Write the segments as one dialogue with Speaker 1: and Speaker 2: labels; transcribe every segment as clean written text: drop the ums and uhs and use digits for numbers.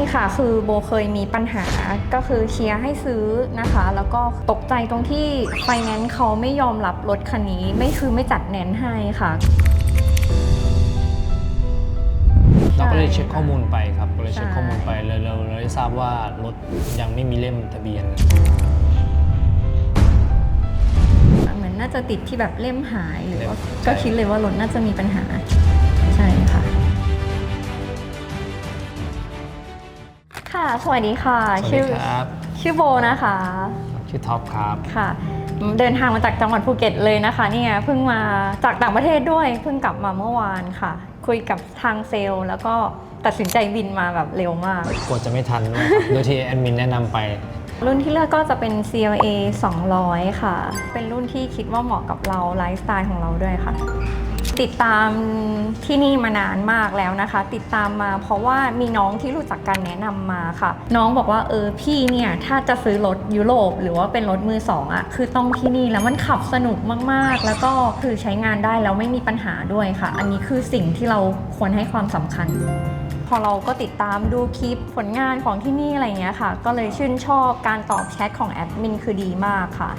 Speaker 1: ค่ะคือโบเคยมีปัญหาก็คือเชียร์ให้ซื้อนะคะแล้วก็ตกใจตรงที่ไฟแนนซ์เขาไม่ยอมรับรถคันนี้ไม่จัดแนนให้ค่ะ
Speaker 2: เราก็เลยเช็คข้อมูลไปครับก็เลยเช็คข้อมูลไปเราได้ทราบว่ารถยังไม่มีเล่มทะเบียน
Speaker 1: เหมือนน่าจะติดที่แบบเล่มหายหรือว่า
Speaker 2: ใช่
Speaker 1: ก็คิดเลยว่ารถน่าจะมีปัญหาใช่ค่ะค่ะสวัสดีค่ะ
Speaker 2: สวัสดีครับ
Speaker 1: ชื่อโบนะคะ
Speaker 2: ชื่อท็อปครับ
Speaker 1: ค่ะเดินทางมาจากจังหวัดภูเก็ตเลยนะคะเนี่ยเพิ่งมาจากต่างประเทศด้วยเพิ่งกลับมาเมื่อวานค่ะคุยกับทางเซลล์แล้วก็ตัดสินใจบินมาแบบเร็วมาก
Speaker 2: กดจะไม่ทันด้วยครับ โดยที่แอดมินแนะนำไป
Speaker 1: รุ่นที่เลือกก็จะเป็น CLA 200 ค่ะเป็นรุ่นที่คิดว่าเหมาะกับเราไลฟ์สไตล์ของเราด้วยค่ะติดตามที่นี่มานานมากแล้วนะคะติดตามมาเพราะว่ามีน้องที่รู้จักกันแนะนำมาค่ะน้องบอกว่าพี่เนี่ยถ้าจะซื้อรถยุโรปหรือว่าเป็นรถมือสองอ่ะคือต้องที่นี่แล้วมันขับสนุกมากๆแล้วก็คือใช้งานได้แล้วไม่มีปัญหาด้วยค่ะอันนี้คือสิ่งที่เราควรให้ความสำคัญพอเราก็ติดตามดูคลิปผลงานของที่นี่อะไรเงี้ยค่ะก็เลยชื่นชอบการตอบแชทของแอดมินคือดีมากค่ะ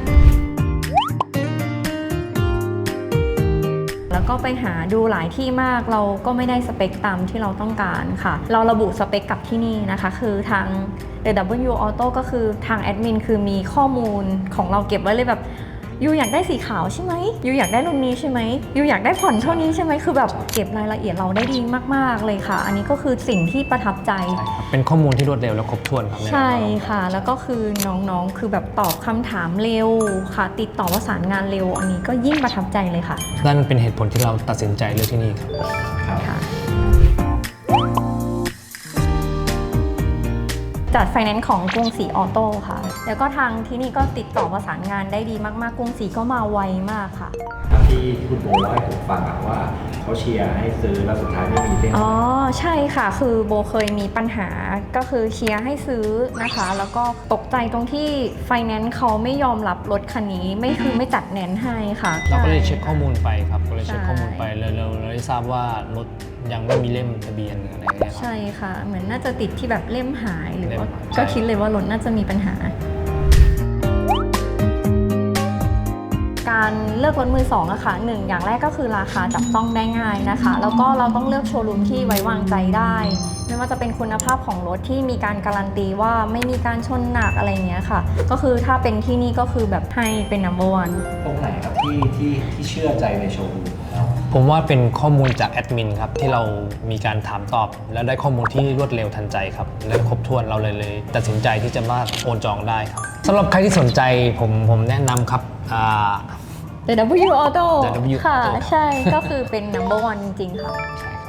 Speaker 1: แล้วก็ไปหาดูหลายที่มากเราก็ไม่ได้สเปคตามที่เราต้องการค่ะเราระบุสเปคกับที่นี่นะคะคือทาง W Auto ก็คือทางแอดมินคือมีข้อมูลของเราเก็บไว้เลยแบบยูอยากได้สีขาวใช่ไหมยูอยากได้รุ่นนี้ใช่ไหมยูอยากได้ผ่อนเท่านี้ใช่ไหมคือแบบเก็บรายละเอียดเราได้ดีมากๆเลยค่ะอันนี้ก็คือสิ่งที่ประทับใจ
Speaker 2: เป็นข้อมูลที่รวดเร็วและครบถ้วนครับ
Speaker 1: ใช่ค่ะแล้วก็คือน้องๆคือแบบตอบคำถามเร็วค่ะติดต่อประสานงานเร็วอันนี้ก็ยิ่งประทับใจเลยค่ะ
Speaker 2: นั่นเป็นเหตุผลที่เราตัดสินใจเลือกที่นี่ครับ
Speaker 1: ค่ะจัดไฟแนนซ์ของกรุงศรีออโต้ค่ะแล้วก็ทางที่นี่ก็ติดต่อประสานงานได้ดีมากๆกรุงศรีก็มาไวมากค่ะ
Speaker 3: ที่คุณโบเล่าให้ผมฟังว่าเขาเชียร์ให้ซื้อแล้วสุดท้ายไม่มีเล่ม
Speaker 1: อ๋อใช่ค่ะคือโบเคยมีปัญหาก็คือเชียร์ให้ซื้อนะคะแล้วก็ตกใจตรงที่ไฟแนนซ์เขาไม่ยอมรับรถคันนี้ไม่จัดแนนให้ค่ะ
Speaker 2: เราก็เลยเช็คข้อมูลไปครับก็เลยเช็คข้อมูลไปเราได้ทราบว่ารถยังไม่มีเล่มทะเบียนอะไรเงี้ย
Speaker 1: ใช่ค่ะเหมือนน่าจะติดที่แบบเล่มหายหรือว่า
Speaker 2: ใช่
Speaker 1: ก็คิดเลยว่ารถน่าจะมีปัญหาการเลือกรถมือสองอะค่ะ1อย่างแรกก็คือราคาจับต้องได้ง่ายนะคะแล้วก็เราต้องเลือกโชว์รูมที่ไว้วางใจได้ไม่ว่าจะเป็นคุณภาพของรถที่มีการการันตีว่าไม่มีการชนหนักอะไรเงี้ยค่ะก็คือถ้าเป็นที่นี่ก็คือแบบให้เป็น number one
Speaker 3: ตรงไหนครับที่เชื่อใจในโชว์รูมของเรา
Speaker 2: ผมว่าเป็นข้อมูลจากแอดมินครับที่เรามีการถามตอบแล้วได้ข้อมูลที่รวดเร็วทันใจครับและครบถ้วนเราเลยตัดสินใจที่จะมาโอนจองได้ครับสำหรับใครที่สนใจผมแนะนำครับ
Speaker 1: The W Auto
Speaker 2: The W
Speaker 1: ค่ะ
Speaker 2: Auto
Speaker 1: ใช่ก็คือเป็น number one จริงๆค่ะ
Speaker 2: ใช่